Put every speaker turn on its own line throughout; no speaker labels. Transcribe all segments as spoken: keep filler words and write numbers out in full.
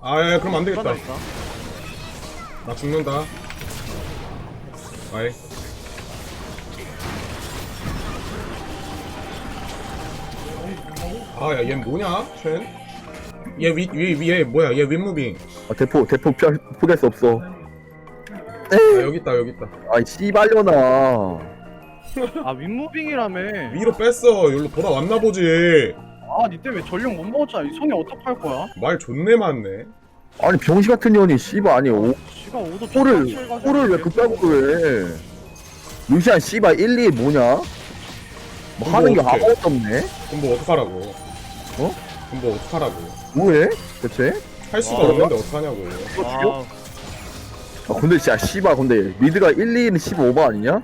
아야 그럼 안 되겠다.
있다.
나 죽는다. 아이. 아야 얘 뭐냐? 쉔? 얘위위위얘 뭐야? 얘 윗무빙.
아 대포 대포 피 포기할 수 없어.
아 여기 있다 여기 있다.
아이 씨발려나.
아 윗무빙이라며.
위로 뺐어. 여기로 돌아왔나 보지.
아 니 때문에 전력 못 먹었잖아. 이 손에 어떡할 거야?
말 존내 많네.
아니 병신 같은 년이 씨발 아니 오
지가 오도
코를 코를 왜 그따구로 해? 루시안 씨발 일, 이 뭐냐? 뭐
그럼
하는 게
어떡해?
아무것도 없네.
그럼 뭐 어떡하라고?
어?
그럼 뭐 어떡하라고?
뭐해? 대체?
할 수가
와.
없는데 어떡하냐고.
아,
아 근데 진짜 씨발 근데 미드가 일, 이는 십오버 아니냐?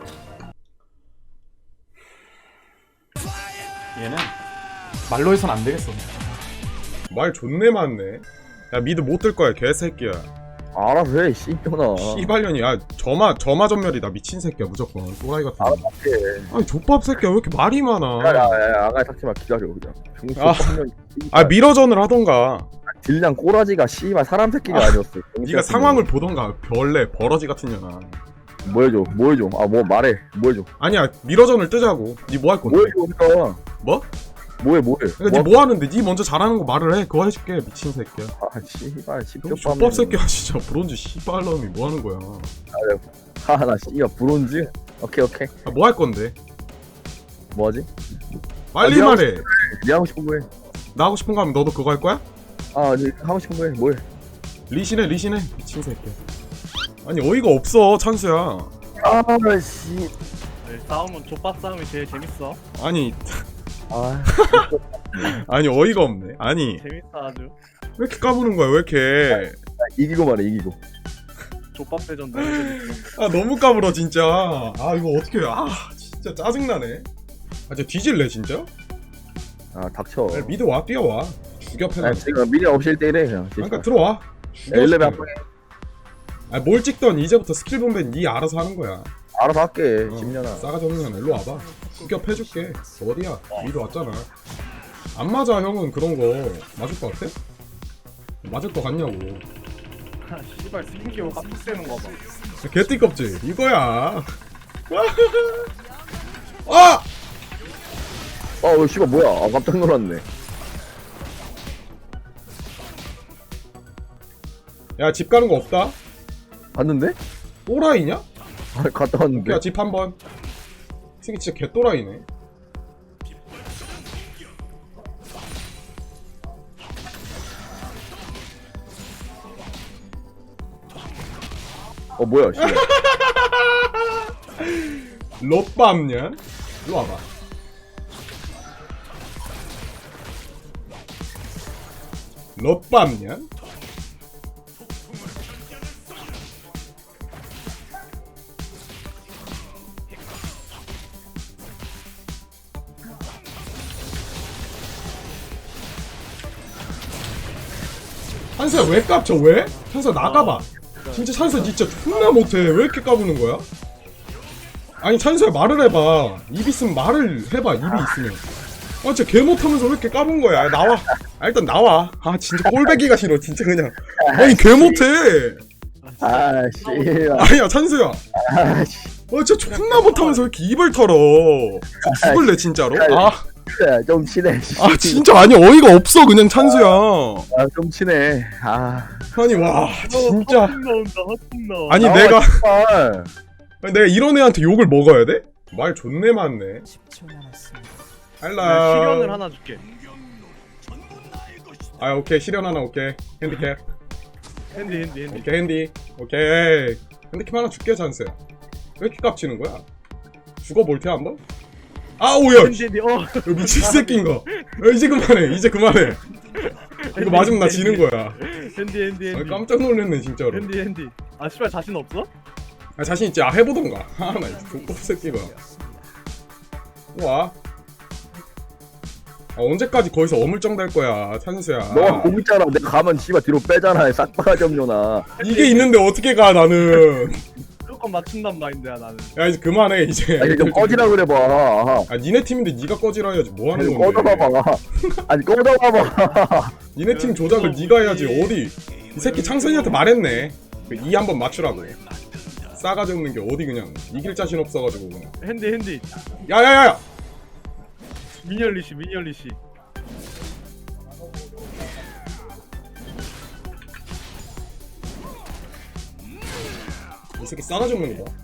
얘는 말로 해선 안 되겠어.
말 존내 많네. 야 미드 못 들 거야 개새끼야.
알아서 해 씨발년아.
씨발년이. 야 저마 저마 전멸이다 미친 새끼야 무조건. 또라이 같은 거.
알아서 해.
아니 족밥 새끼야 왜 이렇게 말이 많아.
야야야 아가리 탁지마 기다려 그냥. 병신
아.
년
아 미러전을 하던가.
딜량 꼬라지가 씨발 사람 새끼가 아니었어. 병신
네가
같은
상황을 보던가. 별래 버러지 같은 년아.
년. 뭐 해줘 뭐 해줘 아 뭐 말해 뭐 해줘
아니야 미러전을 뜨자고. 니 뭐 할 건데?
뭐 해줘 그러니까
뭐?
뭐해 뭐해
그러니까 니 뭐 하는데? 니 먼저 잘하는 거 말을 해. 그거 해줄게 미친 새끼야.
아 씨발 십격
족밥 새끼야 진짜. 브론즈 씨발놈이 뭐 하는 거야.
하나 씨발 브론즈 오케이 오케이
아 뭐 할 건데?
뭐하지?
빨리
아,
말해.
네 하고 싶은 거해
나 하고 싶은 거 하면 너도 그거 할 거야?
아네 하고 싶은 거해 뭐해
리신해 리신해 미친 새끼야. 아니 어이가 없어 찬수야.
아씨
네, 싸움은 족밥 싸움이 제일 재밌어.
아니
아
아니 어이가 없네. 아니
재밌어 아주.
왜 이렇게 까부는 거야 왜 이렇게.
이기고 말해 이기고
족밥 대전 너무 재밌어.
아 너무 까불어 진짜. 아 이거 어떻게 아 진짜 짜증나네. 아 진짜 뒤질래 진짜?
아 닥쳐
야, 미드 와 뛰어와. 죽여 패나.
아 지금 미리 없이 일 대 일 해 그냥
그러니까 들어와. 죽여,
엘레베
죽여. 아뭘 찍던 이제부터 스킬 보면 니 알아서 하는 거야.
알아서 할게
어,
십년아
싸가지 없는 년 일로 와봐. 죽여 패줄게. 어디야? 미드 왔잖아. 안 맞아 형은 그런 거 맞을 것 같아? 맞을 것 같냐고.
아, 씨발 스킨기어 깜빡대는 거 봐.
개띠껍지 이거야. 아!
아왜 씨발 뭐야 아 깜짝 놀랐네
야 집 가는 거 없다?
봤는데?
또라이냐?
아 갔다 왔는데
야 집 한번. 새끼 진짜 개또라이네.
어 뭐야 씨발
롯밤년 일로 와봐. 롯밤년 찬수야 왜 깝쳐 왜? 찬수야 나가봐. 진짜 찬수야 진짜 존나 못해. 왜 이렇게 까부는 거야? 아니 찬수야 말을 해봐. 입 있으면 말을 해봐. 입이 있으면. 아 진짜 개 못하면서 왜 이렇게 까분 거야. 아, 나와. 아, 일단 나와. 아 진짜 꼴배기가 싫어 진짜 그냥. 아니 개 못해.
아 씨발
아니야 찬수야.
아 씨.
아 진짜 존나 못하면서 왜 이렇게 입을 털어. 저 죽을래 진짜로. 아,
야, 좀 친해.
아 진짜 아니 어이가 없어 그냥 찬수야.
아, 좀 친해. 아.
아니 와 진짜.
헛풍 나온다 헛풍 나와.
아니
나와,
내가
씨발.
아니, 내가 이런 애한테 욕을 먹어야 돼? 말 존내 많네.
내가
할라.
시련을 하나 줄게.
아 오케이 시련 하나 오케이. 핸디캡.
핸디 핸디 핸디.
오케이 핸디. 오케이. 핸디캡 하나 줄게 찬스야. 왜 이렇게 깝치는 거야? 죽어 볼테 한번? 아 오야.
핸디 핸디. 어.
이거 미친 새끼인가? 야, 이제 그만해. 이제 그만해. 이거 맞으면 나 지는 거야.
핸디 핸디
아,
핸디.
깜짝 놀랐네 진짜로.
핸디 핸디. 아 씨발 자신 없어?
아, 자신 있지? 아 해보던가. 아나 족밥 새끼가. 와. 아, 언제까지 거기서 어물쩡 될 거야 찬수야.
너가 공 있잖아. 내가 가면 씨발 뒤로 빼잖아. 싹바가지 없려나.
이게 있는데 어떻게 가 나는.
무조건 맞춘단 마인드야 나는.
야 이제 그만해 이제.
아니 좀 꺼지라 그래 봐.
아 니네 팀인데 니가 꺼지라 해야지 뭐 하는
아니
건데.
꺼져봐봐. 아니 꺼져봐봐.
니네 팀 조작을 니가 해야지 어디. 이 새끼 창선이한테 말했네. 이 한번 맞추라고. 싸가지 없는 게 어디 그냥 이길 자신 없어가지고 그냥.
핸디 핸디
야야야야.
미니얼리시 미니얼리시.
이 새끼 싸가지 없는 거 봐.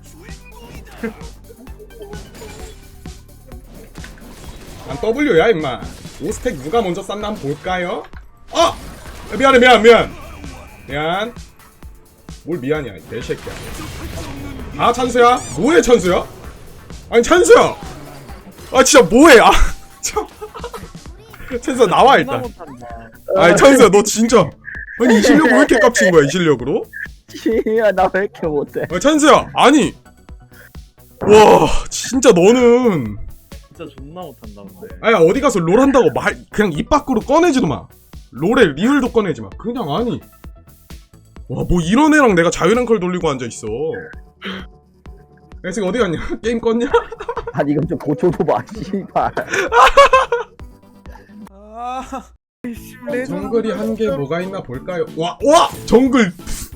난 W야 임마. 오 스택 누가 먼저 쌌나 한번 볼까요? 아! 미안해 미안 미안 미안. 뭘 미안이야 이 개새끼야. 아 찬수야? 뭐해 찬수야? 아니 찬수야! 아 진짜 뭐해. 아 참. 찬수야 나와
존나
일단.
못한다.
아니 찬수야 너 진짜 아니 이 실력으로 왜 이렇게 깝친 거야 이 실력으로?
씨야 나 왜 이렇게 못해?
아 찬수야 아니 와 진짜 너는
진짜 존나 못한다 근데.
아야 어디 가서 롤 한다고 말 그냥 입 밖으로 꺼내지도 마. 롤에 리을도 꺼내지 마. 그냥 아니 와 뭐 이런 애랑 내가 자유랭컬 돌리고 앉아있어. 야 지금 어디 갔냐? 게임 껐냐?
아니 이건 좀 고쳐줘봐 씨발.
정글이 한 개 뭐가 있나 볼까요? 와! 와! 정글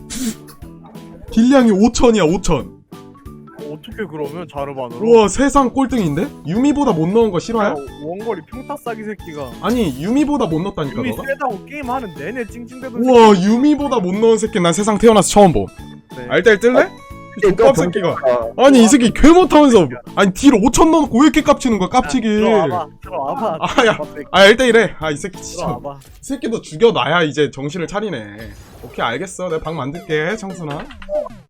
딜량이 오천이야 오천.
어떻게 그러면 자르반으로?
우와 세상 꼴등인데? 유미보다 못 넣은 거
야,
싫어요?
원거리 평타 싸기 새끼가.
아니 유미보다 못 넣었다니까
이미
너가?
세다고 게임하는 내내 찡찡대던.
우와 유미보다 못 넣은 새끼 난 세상 태어나서 처음 봄.
새끼.
아, 일단 뜰래? 이
또
족밥 새끼가
병-
아니 이 새끼 개 못하면서 아니 딜 오천 넣어놓고 왜 이렇게 깝치는 거야 깝치기.
들어와봐 들어와봐.
아, 야.
들어와봐,
아 일단 이래. 아 이 새끼 진짜
들어와봐.
이 새끼도 죽여놔야 이제 정신을 차리네. 오케이 알겠어 내가 방 만들게 청순아.